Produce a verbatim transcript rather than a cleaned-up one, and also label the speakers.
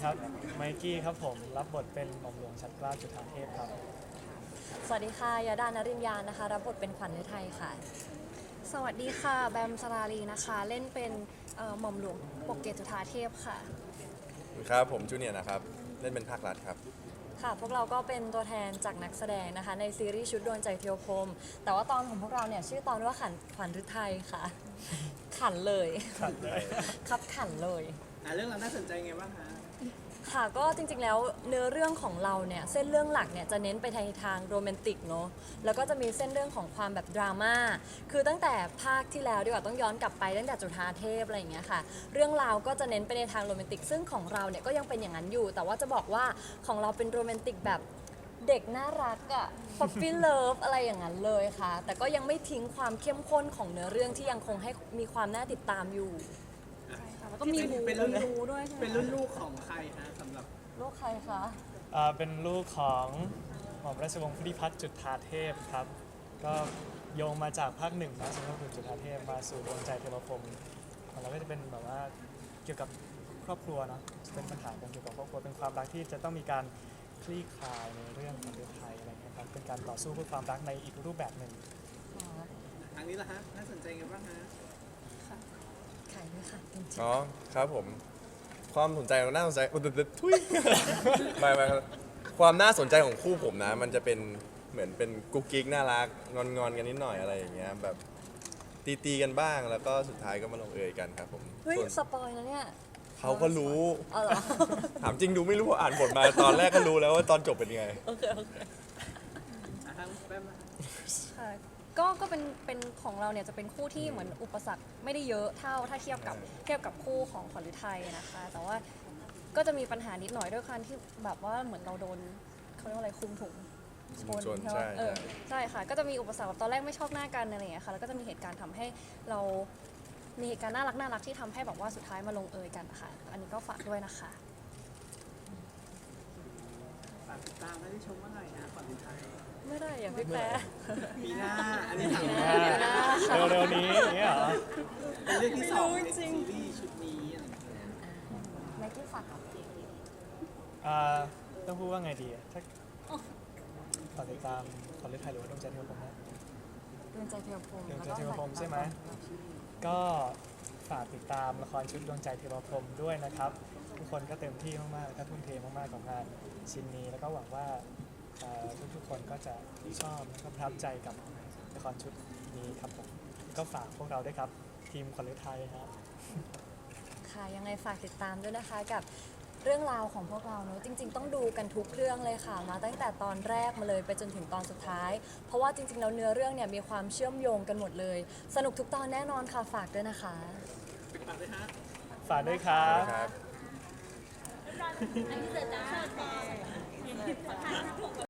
Speaker 1: ครับไมกี้ครับผมรับบทเป็นหม่อมหลวงชัดเกล้าจุฑาเทพครับ
Speaker 2: สวัสดีค่ะยาดานริมยานนะคะรับบทเป็นขวัญฤทัยค่ะ
Speaker 3: สวัสดีค่ะแบมสราลีนะคะเล่นเป็นเอ่อหม่อมหลวงปกเกตจุฑาเทพค่ะ
Speaker 4: ครับผมจูเนียร์นะครับเล่นเป็นภาครัฐครับ
Speaker 2: ค่ะพวกเราก็เป็นตัวแทนจากนักแสดงนะคะในซีรีส์ชุดดวงใจเทียวพรหมแต่ว่าตอนของพวกเราเนี่ยชื่อตอนว่าขันขวัญฤทัยค่ะ ขันเลย
Speaker 1: ขันเลย
Speaker 2: ครับขันเลย
Speaker 5: อ่ะเรื่องเราน่าสนใจไงบ้างคะ
Speaker 2: ค่ะก็จริงๆแล้วเนื้อเรื่องของเราเนี่ยเส้นเรื่องหลักเนี่ยจะเน้นไปทางทางโรแมนติกเนาะแล้วก็จะมีเส้นเรื่องของความแบบดราม่าคือตั้งแต่ภาคที่แล้วดีกว่าต้องย้อนกลับไปตั้งแต่จุฑาเทพอะไรอย่างเงี้ยค่ะเรื่องราวก็จะเน้นไปในทางโรแมนติกซึ่งของเราเนี่ยก็ยังเป็นอย่างนั้นอยู่ แต่ว่าจะบอกว่าของเราเป็นโรแมนติกแบบเด็กน่ารักอะป๊อปปี้เลิฟอะไรอย่างนั้นเลยค่ะแต่ก็ยังไม่ทิ้งความเข้มข้นของเนื้อเรื่องที่ยังคงให้มีความน่าติดตามอยู่
Speaker 3: แล้วก็มีบู
Speaker 5: เป็นรุ่น
Speaker 3: บูด้วยใช่ไหม
Speaker 5: เป็นรุ่นลูกของใครฮะสำหรับ
Speaker 2: ลูกใครคะ
Speaker 1: อ่าเป็นลูกของหม่อมราชวงศ์พุทธิพัฒน์จุฑาเทพครับก็โยงมาจากภาคหนึ่งนะสมเด็จพระจุฑาเทพมาสู่ดวงใจเทวพรหมของเราก็จะเป็นแบบว่าเกี่ยวกับครอบครัวเนาะเป็นปัญหาเกี่ยวกับครอบครัวเป็นความรักที่จะต้องมีการคลี่คลายในเรื่องของเรื่องไทยอะไรอย่างเงี้ยครับเป็นการต่อสู้เพื่อความรักในอีกรูปแบบหนึ่ง
Speaker 5: ทางนี้ล่ะฮะน่าสนใจไงบ้างฮะ
Speaker 2: ใครด้วยค่ะจริง
Speaker 4: อ๋อครับผมความสนใจของน่าสนใจอุดดทุย ไม่ไม่ครับความน่าสนใจของคู่ผมนะ มันจะเป็นเหมือนเป็นกุ๊กกิ๊กน่ารักงอนงอนๆกันนิดหน่อยอะไรอย่างเงี้ยแบบตีตีๆกันบ้างแล้วก็สุดท้ายก็มาลงเอยกันครับผม
Speaker 2: ๆเฮ้ย
Speaker 4: ส่วน
Speaker 2: สปอยนะเนี่ย
Speaker 4: เขาก็รู้
Speaker 2: อ๋อเหรอ
Speaker 4: ถามจริงดูไม่รู้อ่านบทมาตอนแรกก็รู้แล้วว่าตอนจบเป็นยังไง
Speaker 2: โอเคโอเค
Speaker 5: อ่ะทางแป๊บนะ
Speaker 3: ค่ะก็ก็เป็นเป็นของเราเนี่ยจะเป็นคู่ที่เหมือนอุปสรรคไม่ได้เยอะเท่าถ้าเทียบกับเทียบกับคู่ของขวัญฤทัยนะคะ แต่ว่าก็จะมีปัญหานิดหน่อยด้วยการที่แบบว่าเหมือนเราโดนเขาเรียกว่าอะไรคุมถุง
Speaker 4: ชน
Speaker 3: ใช่ไหม
Speaker 4: ใช่
Speaker 3: เออใช่ค่ะ ก็จะมีอุปสรรคแบบตอนแรกไม่ชอบหน้ากันอะไรอย่างเงี้ยค่ะแล้วก็จะมีเหตุการณ์ทำให้เรามีเหตุการณ์น่ารักน่ารักที่ทำให้แบบว่าสุดท้ายมาลงเอยกันนะคะอันนี้ก็ฝากด้วยนะคะ
Speaker 5: ฝากติดตามให้ได้ชมเมื่อไหร่นะก่อนสุดท้าย
Speaker 2: ไม่ได้อย่างพี่แป๊ะ
Speaker 5: ปีหน้าอันนี้ถาม
Speaker 2: ปีห
Speaker 5: ว่า
Speaker 2: น้า
Speaker 1: เร็วๆนี้อย่างเงี้ยเหรอ
Speaker 5: เป็นเรื่องที่สองในซีรีส์ชุดนี้อะไรอย่างเงี้ย
Speaker 2: ไมค์ที่ฝากกับ
Speaker 1: อ่าต้องพูดว่าไงดีอะถ้าฝากติดตามขวัญฤทัยหรือว่าดวงใจเทวพรหมนะ
Speaker 2: ดวงใจเทียวพรหม
Speaker 1: ดวง
Speaker 2: แล้ว
Speaker 1: ใจ
Speaker 2: ก็
Speaker 1: เทวพรหมใช่ไหม ก็ฝากติดตามละครชุดดวงใจเทวพรหมด้วยนะครับ ทุกคนก็เต็มที่มากๆและก็ทุ่มเทมากๆกับงานชิ้นนี้แล้วก็หวังว่าเอ่อทุกๆคนก็จะชอบและก็ประทับใจกับละครชุดนี้ครับผมก็ฝากพวกเราด้วยครับทีมขวัญฤทัยครับ
Speaker 2: ค่ะยังไงฝากติดตามด้วยนะคะกับเรื่องราวของพวกเราเนอะจริง ๆต้องดูกันทุกเรื่องเลยค่ะมาตั้งแต่ตอนแรกมาเลยไปจนถึงตอนสุดท้าย เพราะว่าจริงๆแล้วเนื้อเรื่องเนี่ยมีความเชื่อมโยงกันหมดเลย สนุกทุกตอนแน่นอนค่ะฝากด้วยนะคะ
Speaker 5: ฝากด้วยฮะ
Speaker 1: ฝากด้วยครับ
Speaker 4: ครับ